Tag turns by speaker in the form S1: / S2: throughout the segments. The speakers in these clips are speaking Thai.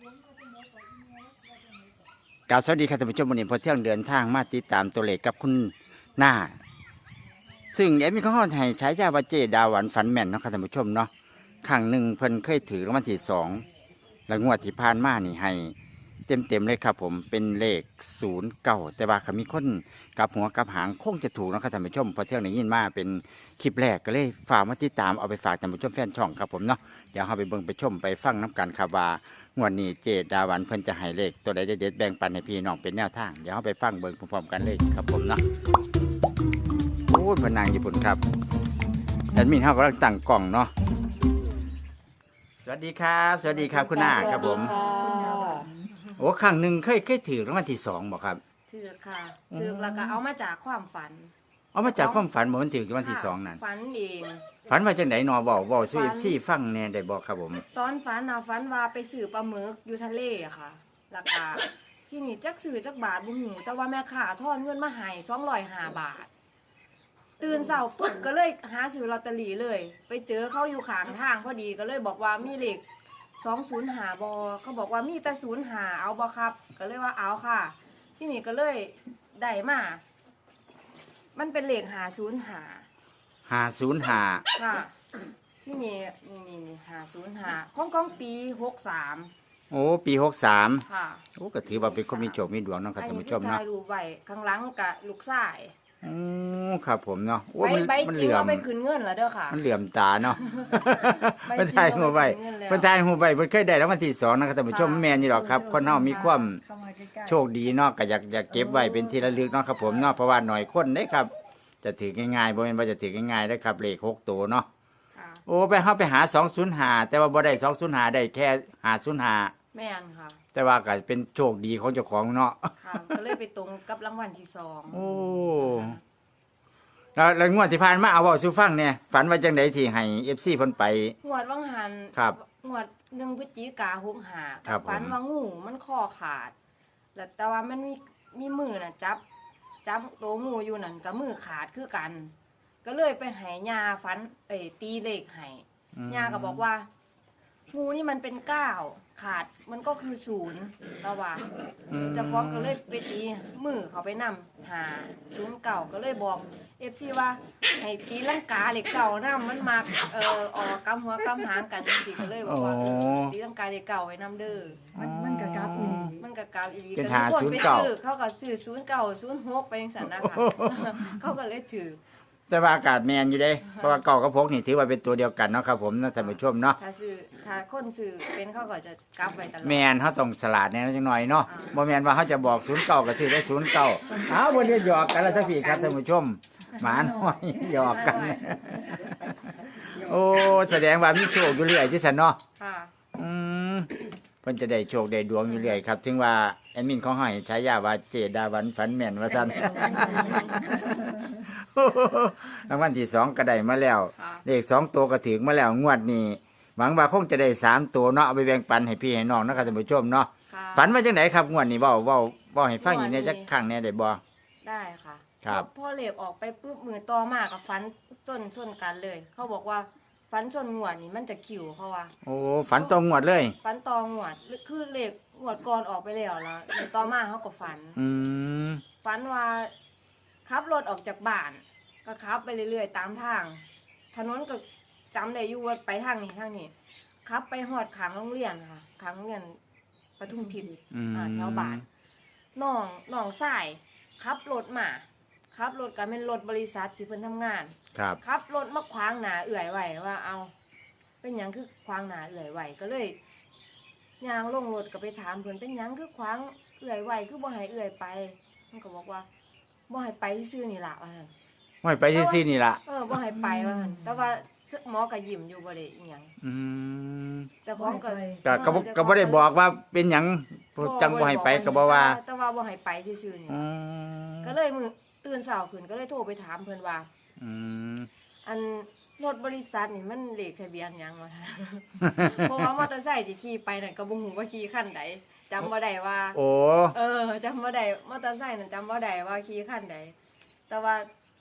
S1: กล่าวสวัสดีครับท่านผู้ชมวันนี้พอเที่ยงเดินทางมาติดตามตัวเลขกับคุณหน้าซึ่งแอดมินของเขาให้ใช้ยาว่าเจดาหวันฝันแม่นเนาะครับท่านผู้ชมเนาะครั้งหนึ่งเพิ่นเคยถือรางวัลที่2แล้วงวดที่ผ่านมานี่ให้เต็มเลยครับผมเป็นเลข09แต่ว่าเขามีคนกับหัวกับหางคงจะถูกเนาะครับท่านผู้ชมพอเที่ยงได้ยินมาเป็นคลิปแรกก็เลยฝากมาติดตามเอาไปฝากท่านผู้ชมแฟนช่องครับผมเนาะเดี๋ยวเราไปเบิ่งไปชมไปฟังน้ำกันครับว่างวดนี้เจดาหวันเพิ่นจะให้เลขตัวใดเด็ดๆแบ่งปันให้พี่น้องเป็นแนวทางเดี๋ยวเราไปฟังเบิ่งพร้อมๆกันเลยครับผมเนาะโอ้ยพนังญี่ปุ่นครับแอดมินเขากำลังตั้งกล่องเนาะสวัสดีครับสวัสดีครับคุณหน้าครับผมโอ้ครั้งหนึ่งเคยถือรางวัลที่2บ่ครับ
S2: ถือค่ะถือแล้วก็เอามาจากความฝัน
S1: เอามาจากความฝันบ่มันถือรางวัลที่2นั่น
S2: ฝันเอง
S1: ฝันว่าจังได๋หนอเว้าสู่ FC ฟังแหน่ได้บ่ครับผม
S2: ตอนฝันน่ะฝันว่าไปซื้อปลาหมึกอยู่ทะเลอะค่ะแล้วก็ที่นี่จักซื้อจักบาทบ่ฮู้แต่ว่าแม่ค้าทอนเงินมาให้205บาท ตื่นเช้าปึ๊บก็เลยหาซื้อลอตเตอรี่เลย ไปเจอเขาอยู่ข้างทางพอดีก็เลยบอกว่ามีเลข205บ่เขาบอกว่ามีแต่05เอาบ่ครับ ก็เลยว่าเอาค่ะ ที่นี่ก็เลยได้มามันเป็นเลข505
S1: 505
S2: ค่ะที่นี่505ของปี63
S1: โอ้ปี63
S2: ค่ะ
S1: โอ้ก็ถือว่าเป็นคนมีโชคมีดวงเนาะครับท่านผู้ชม
S2: อันนี้
S1: เนาะ
S2: ถ่ายรูปไว้ข้างหลังกับลูกชาย
S1: อือครับผมเนาะโอ้
S2: ใบ
S1: มัน
S2: จ
S1: เห
S2: ริง
S1: ลื่อม
S2: เอาไปขึ้นเงินแล้วเด้อค่ะ
S1: มันเหลื่อมตาเนาะ
S2: ใบจริง
S1: เพิ่นทายหูไว้
S2: เอาไปขึ้นเงินแล้ว
S1: เพิ่นทายหูไว้เพิ่นเคยได้รางวัลที่2นะครับท่านผู้ชมแม่นอยู่ดอกครับคนเฮามีความโชคดีเนาะก็อยากเก็บไว้เป็นที่ระลึกเนาะครับผมเนาะเพราะว่าหน่อยคนเด้ครับ จะถือง่ายๆบ่แม่นว่าจะถือง่ายๆเด้อครับเลข6ตัวเนาะ
S2: ค่ะ
S1: โอ้ไปเฮาไปหา205แต่ว่าบ่ได้205ได้แค่505
S2: แม่นค่ะ
S1: แต่ว่าก็เป็นโชคดีของเจ้าของเนาะ
S2: ค่ะก็เลยไปตรงกับรางวัลที่2
S1: โอ้แล้วงวดที่ผ่านมาเอาเว้าสู่ฟังเนี่ยฝันว่าจังได๋ที่ให้ FC เพิ่นไป
S2: งวดวังหัน
S1: ครับ
S2: งวด1พฤศจิกา65
S1: ครับ
S2: ฝัน
S1: ผม
S2: ว่างูมันคอขาด แล้วแต่ว่ามันมีมือน่ะจับตัวงูอยู่นั่นกับมือขาดคือกัน ก็เลยไปให้ยาฝันตีเลขให้ ย่าก็บอกว่างูนี่มันเป็น9ขาดมันก็คือ0แล้วว่า เจะพร้าของก็เลยไปตีมือเขาไปนำหา09ก็เลยบอก FC ว่าให้ตีลังกาเหล็กเก่านํมันมาออกกำหัวกำหางกันจังซี่ก็เลยบอกว่า
S1: อ๋อ
S2: ตีลังกาเหล็กเก่าไว้นำเด้อ
S3: มันกะกราบอีหลี
S2: มันก็กาวอีหลี
S1: เป็น
S2: ก็ทุกคนไป
S1: หา09
S2: ซื้อเขาก็ซื้อ09 06ไปจังซั่นนะคะเขาก็เลยถือ
S1: แต่ว่าอากาศแมนอยู่เด้เพราะว่าเก่ากับพกนี่ถือว่าเป็นตัวเดียวกันเนาะครับผมเนาะท่านผู้ชมเนาะ
S2: ถ้าคนซื้อเป็นเขาก็จะกลับไว้ตลอด
S1: แมนเฮาต้องฉลาดแน่จังหน่อยเนาะบ่แม่นว่าเฮาจะบอก09ก็ซื้อได้09อ้าวบ่ได้หยอกกันแล้วท่านพี่ครับท่านผู้ชมหมาน้อยหยอกกัน โอ้แสดงว่ามีโชคอยู่เรื่อยที่ซั่นเนาะ
S2: ค่ะ
S1: อืมเพิ่นจะได้โชคได้ดวงอยู่เรื่อยครับ ถึงว่าแอดมินของเฮาให้ฉายาว่าเจดาวันฝันแม่นว่าซั่น รางวัลที่2ก็ได้มาแล้ว
S2: ค่ะ
S1: เลข2ตัวก็ถึงมาแล้วงวดนี้หวังว่าคงจะได้3ตัวเนาะเอาไปแบ่งปันให้พี่ให้น้องนะครับท่านผู้ชมเนาะ
S2: ค่ะ
S1: ฝันว่าจังไดครับงวดนี้เว้าให้ฟังอีกแหน่จักครั้งแหน่ได้บ่
S2: ได้ค่ะ
S1: ครับ
S2: พอเหล็กออกไปปุ๊บมือต่อมากับฟันส้นกันเลย เขาบอกว่าฟันชนหวดนี่มันจะขิวเขาว่า
S1: โอ้ฝันตรงงวดเลย
S2: ฟันตอหวดคือเหล็กหวดก่อนออกไปแล้วมือต่อมาเขาก็ฟัน
S1: อืม
S2: ฟันว่าขับรถออกจากบ้าน ก็ขับไปเรื่อยๆตามทาง ถนนก็จำได้อยู่ว่าไปทางนี้ขับไปหอดขางโรงเรียนค่ะขางโรงเรียนปทุมพิท
S1: อืม
S2: แถวบ้านน้องสายขับรถมาขับรถก็เป็นรถบริษัทที่เพิ่นทำงาน
S1: ครับ
S2: ขับรถมาขวางหน้าเอื่อยไว้ว่าเอา เป็นหยังคือขวางหน้าเอื่อยไว้ก็เลยย่างลงรถก็ไปถามเพิ่นเป็นหยังคือขวางเอื่อยไว้คือบ่ให้เอื่อยไปมันก็บอกว่าบ่ให้ไปซื่อๆนี่ล่ะว่าซั่น
S1: ไว้ไปซื่อๆนี่ล่ะ
S2: บ่ให้ไปว่าซั่นแต่ว่าหมอก็ยิ้มอยู่บ่ได้อีหยัง
S1: อืม
S2: แต่ของก็
S1: ก็บ่ได้บอกว่าเป็นหยังจังบ่ให้ไปก็บ่ว่า
S2: แต่ว่าบ่ให้ไปซื่อๆนี่
S1: อื
S2: ล่ะ
S1: ม
S2: ก็เลยมื้อตื่นเช้าขึ้นก็เลยโทรไปถามเพิ่นว่า
S1: อืม
S2: อันรถบริษัทนี่มันเลขทะเบียนหยังวะ เพราะว่ามอเตอร์ไซค์ที่ขี่ไปนั่นก็บ่ฮู้ว่าขี่คันใดจำบ่ได้ว่า
S1: โอ้
S2: จำบ่ได้มอเตอร์ไซค์นั่นจำบ่ได้ว่าขี่คันใดแต่ว่า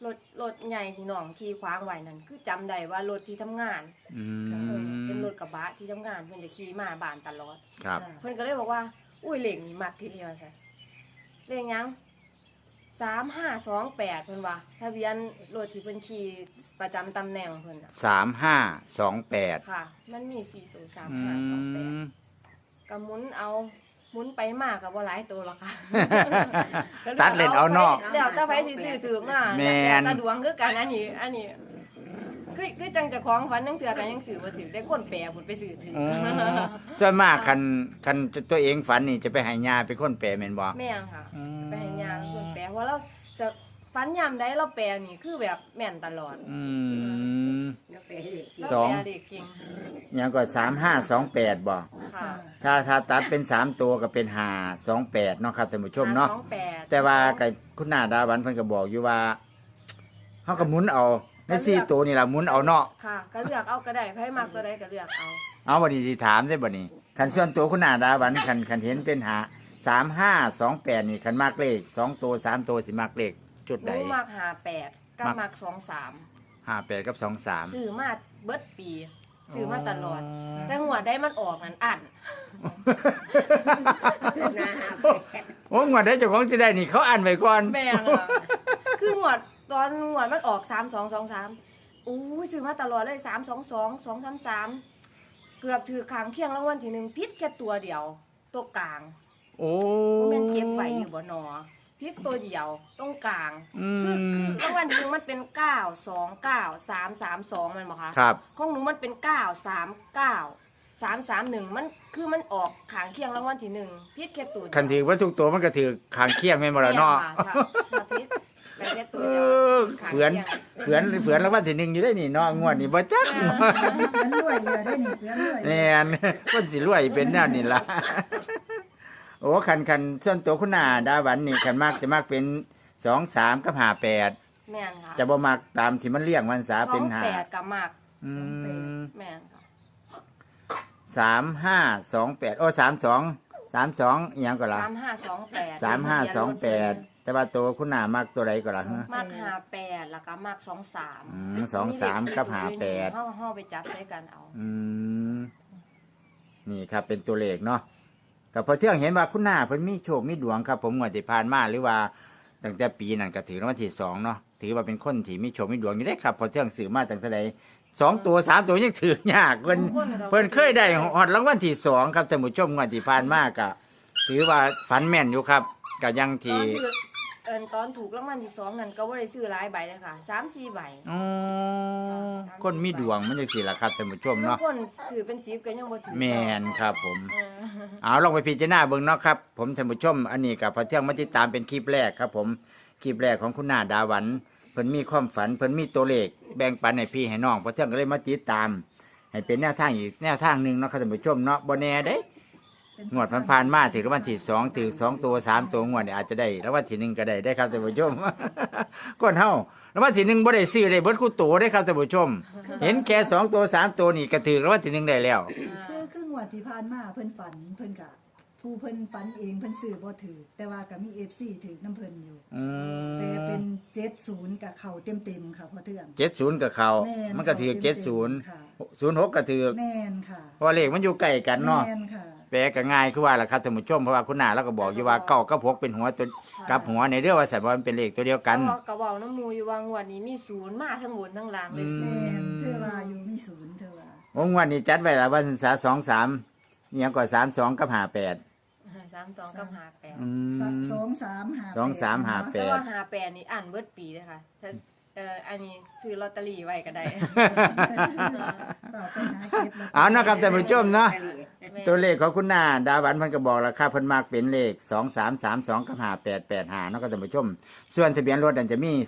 S2: รถใหญ่ที่น้องขี่ขวางไว้นั่นคือจำได้ว่ารถที่ทำงาน
S1: อื
S2: เป็น
S1: ม
S2: รถกระบะที่ทำงานเพิ่นจะขี่มาบ้านตลอด
S1: ครับ
S2: เพิ่นก็เลยบอกว่า อุ้ยเลขนี่มักทีเดียวซะเลขหยัง3528เพิ่นว่าทะเบียนรถที่เพิ่นขี่ประจำตำแหน่งเพิ่นน่ะ
S1: 3528
S2: ค่ะ มันมี4ตัว
S1: อืม
S2: 3528ก็หมุนเอาหมุนไปมากก็บ่หลายตัวหรอกค่ะ
S1: ตัดเล่นเอาเนาะ
S2: แล้วแต่ไผสิซื้อถูกมา
S1: แม่น
S2: แล้วแต่ดวงคือกันอันนี้คือจังเจ้าของฝันจังเทื่อก็ยังซื้อบ่ถูกได้คนแปลพุ่นไปซื้อถูก
S1: อ๋อส่วนมากคันตัวเองฝันนี่จะไปให้ญาเป็นคนแปลแม่นบ่
S2: แม่นค่ะ
S1: อืม
S2: ไปให้ยาเป็นคนแปลว่าเราจะฝันยามใดเราแปลนี่คือแบบแม่นตลอด
S1: อืม
S2: เรา
S1: สอง
S2: แปลเด็กเก่ง
S1: หยังก็3528บ่
S2: ค่ะ
S1: ถ้าตัดเป็น3ตัวก็เป็น528เนาะครับท่านผู้ชมเนาะ
S2: 28
S1: แต่ว่าก็คุณนาดาวันเพิ่นก็บอกอยู่ว่าเฮาก็หมุนเอาใน4ตัวนี่ล่ะหมุนเอาเนาะ
S2: ค่ะ ก็เลือกเอาก็ได้ไผมักตัวใดก็เลือกเอา
S1: เอาบัดนี้สิถามได้บัดนี้คันส่วนตัวคุณนาดาวันคันเห็นเป็น3528นี่คันมักเลข2ตัว3ตัวสิมักเลขจุด
S2: ห
S1: ใด
S2: นูมัก58กับมัก23
S1: 58กับ23
S2: ซื้อมาเบิดปีซื้อมาตลอด แต่หัวดได้มันออกนั่นอัน
S1: โอ้งวดได้เจ้าของสิได้นี่เขาอ่านไว้ก่อน
S2: แม่งอะคือหัวดตอนหัวดมันออก3223อู้ยซื้อมาตลอดเลย322 233เกือบถือขางเคียงรางวัลที่หนึ่งพิษแค่ตัวเดียวตัวกลาง
S1: โอ้
S2: บ่แม่นเก็บไว้อยู่บ่หนอพิษตัวเดียวตรงกลาง
S1: อื
S2: คือ
S1: ม
S2: รางวัลที่หนึ่งมันเป็น929 332มันบ่คะ
S1: ครับ
S2: ของหนูมันเป็น939 331มันคือมันออกขางเคียงรางวัลที่หนึ่งพิษแค่ตัวเดียว
S1: คันถือว่าทุกตัวมันก็ถือขางเคียงแม่นบ่ล่ะเนาะ
S2: แม่ค่ะถ้าพิษไปแค่ตัว
S1: เอ
S2: เดียว
S1: อ
S2: ขาง
S1: เฝือน
S2: เคียง
S1: เฝือนแล้ววันที่หนึ่งอยู่ได้นี่เนาะงวดนี้บ่จัก
S3: มันรวยอยู่ได้นี่เพื่อนรวย
S1: แน่นคนสิรวยเป็นแนวนี้ล่ะ โอ้คันส่วนตัวคุณนาดาหวันนี่คันมากจะมากเป็น23กับ58
S2: แม่นค่ะ
S1: จะบ่มักตามที่มันเรียงวันษาเป็น
S2: 28กับมาก
S1: 5อืม
S2: แม่นค่ะ
S1: 3528โอ้32อีหยังก็ล่ะ
S2: 3528
S1: 3528แต่ว่าตัวคุณนามักตัวใดก็ล่ะฮะ
S2: มาก58แล้วก็มาก23
S1: อืม23กับ58
S2: เฮาไปจับใช้กันเอา
S1: อืมนี่ครับเป็นตัวเลขเนาะกับพอเที่ยงเห็นว่าคุณนาเพิ่นมีโชคมีดวงครับ ผมงวดที่ผ่านมาหรือว่าตั้งแต่ปีนั้นก็ถือรางวัลที่2เนาะถือว่าเป็นคนที่มีโชคมีดวงอยู่ได้ครับพอเที่ยงสื่อมาตั้งแต่ใด2ตัว3ตัวยังถือยากเพิ่นเคยได้ฮอดรางวัลที่2ครับท่านผู้ชมงวดที่ผ่านมาก็ถือว่าฝันแม่นอยู่ครับก็ยังที่
S2: ตอนถูกรางวัลที่2นั่นก็บ่ได้ซื้อหลายใบเลยค่ะ 3-4 ใบ
S1: อ๋อคนมีดวงมันจังซี่ล่ะครับท่านผู้ชมเนาะ
S2: บางคนถือเป็น10ก็ยังบ่ถือ
S1: แม่นครับผม
S2: เออ
S1: เอาลองไปพิจารณาเบิ่งเนาะครับผมท่านผู้ชมอันนี้กับพอเที่ยงมาติดตามเป็นคลิปแรกครับผมคลิปแรกของคุณนาดาหวันเพิ่นมีความฝันเพิ่นมีตัวเลขแบ่งปันให้พี่ให้น้องพอเที่ยงก็เลยมาติดตาม ให้เป็นแนวทางอีกแนวทางหนึงเนาะครับท่านผู้ชมเนาะบ่แน่เด้งวดผ่านๆมาถึงรางวัลที่2ถึง2ตัว3ตัวงวดนี่อาจจะได้รางวัลที่1ก็ได้ครับท่านผู้ชม คนเฮารางวัลที่1บ่ได้ซื้อได้เบิดคู่ตัวได้ครับท่านผู้ชม เห็นแค่2ตัว3ตัวนี่ก็ถือรางวัลที่1ได้แล้ว
S3: คืองวดที่ผ่านมาเพิ่นฝันเพิ่นกะผู้เพิ่นฝันเองเพิ่นซื้อบ่ถือแต่ว่าก็มี FC ถือน้ำเพิ่นอยู่
S1: อื
S3: แต่
S1: ม
S3: เป็น70กับเขาเต็มๆค่ะพอเทื่อง
S1: 70กับเขา
S3: แม่น
S1: มันก็ถือ
S3: เต็มๆ
S1: 70
S3: ค่ะ
S1: 06ก็ถือ
S3: แม่นค่ะ
S1: เพราะว่าเลขมันอยู่ใกล้กันเนาะ
S3: แม่นค่ะ
S1: แปลก็ง่ายคือว่าล่ะครับท่านผู้ชมเพราะว่าคุณนาเราก็บอกอยู่ว่าเก้ากับ6เป็นหัวตัวกับหัวในเรื่องว่าสัตว์ว่ามันเป็นเลขตัวเดียวกัน
S2: ก็เว้าน้ำมูอยู่ว่างวดนี้มี0มาทั้งบนทั้งล่างเลย
S1: อื
S3: แม่นเธอว่าอยู่มีศูนย์เธอว่า
S1: วงวันนี้จัดไว้ละวันศึกษา23เนี่ยก็32กับ58
S2: 32กับ58
S1: อืม
S3: 2358
S1: 2358
S2: แต่ว่า58นี่อ่านเบิดปีเลยค่ะถ้าอันนี้ซื้อลอตเตอรี่ไว้ก็ได้
S3: ต่อไปหาเก็บลตตรี่
S1: เอานะครับท่านผู้ชมเนาะ
S2: แม่
S1: ตัวเลขของคุณนาดาหวันเพิ่นก็บอกราคาเพิ่นมักเป็นเลข2332กับ5885เนาะครับท่านผู้ชม ส่วนทะเบียนรถนั่นจะมี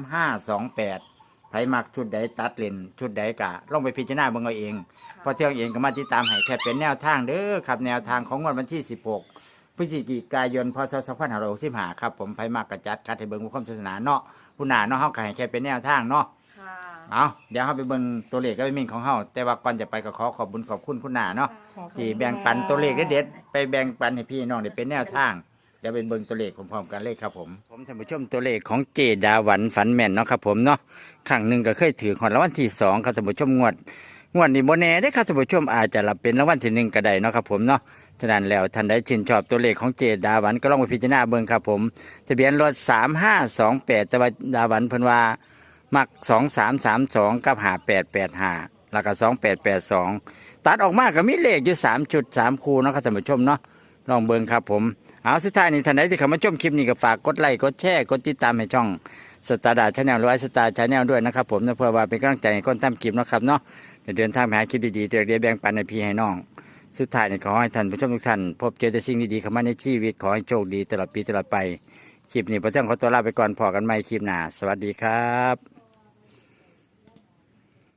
S1: 3528ไผมักชุดใดตัดเลนชุดใดกะลองไปพิจารณาเบิ่งเอาเองเพอเที่ยงเองก็มาติดตามให้แค่เป็นแนวทางเด้อครับแนวทางของวันที่16พฤศจิกายนพศ2565ครับผมไผมักกระจัดคัดให้เบิ่งความศาสนาเนาะคุณนาเนาะเฮาก็ให้แค่เป็นแนวทางเนาะ
S2: ค่ะ
S1: เอาเดี๋ยวเฮาไปเบิ่งตัวเลขกับมินของเฮาแต่ว่าก่อนจะไปก็ขอขอบคุณคุณนาเนาะ ที่แบ่งปันตัวเลขเด็ดๆไปแบ่งปันให้พี่น้องได้เป็นแนวทางเดี๋ยวไปเบิ่งตัวเลขพร้อมๆกันเลยครับผมท่านผู้ชมตัวเลขของเจดาหวันฝันแม่นเนาะครับผมเนาะครั้งหนึ่งก็เคยถือของรางวัลที่2ครับท่านผู้ชมงวดนี้บ่แน่ได้อครับท่านผู้ชมอาจจะรับเป็นรางวัลที่1ก็ได้เนาะครับผมเนาะฉะนั้นแล้วท่านใดชื่นชอบตัวเลขของเจดาหวันก็ลองไปพิจารณาเบิ่งครับผมทะเบียนรถ3528แต่ว่าดาหวันเพิ่นว่ามัก2332กับ5885แล้วก็2882ตัดออกมาก็มีเลขอยู่3จุด3คู่เนาะครับท่านผู้ชมเนาะลองเบิ่งครับผมเอาสุดท้ายนี้ท่านใดที่เข้ามาชมคลิปนี้ก็ฝากกดไลค์กดแชร์กดติดตามให้ช่องสตาร์ดาชาแนลหรือไอสตาร์ชาแนลด้วยนะครับผมเพื่อว่าเป็นกำลังใจให้คนทำคลิปนะครับเนาะเดินทางไปหาคลิปดีๆเรียแบ่งปันให้พี่ให้น้องสุดท้ายนี้ขอให้ท่านผู้ชมทุกท่านพบเจอแต่สิ่งดีๆเข้ามาในชีวิตขอให้โชคดีตลอดปีตลอดไปคลิปนี้พระเจ้าขอตัวลาไปก่อนพอกันใหม่คลิปหน้าสวัสดีครับ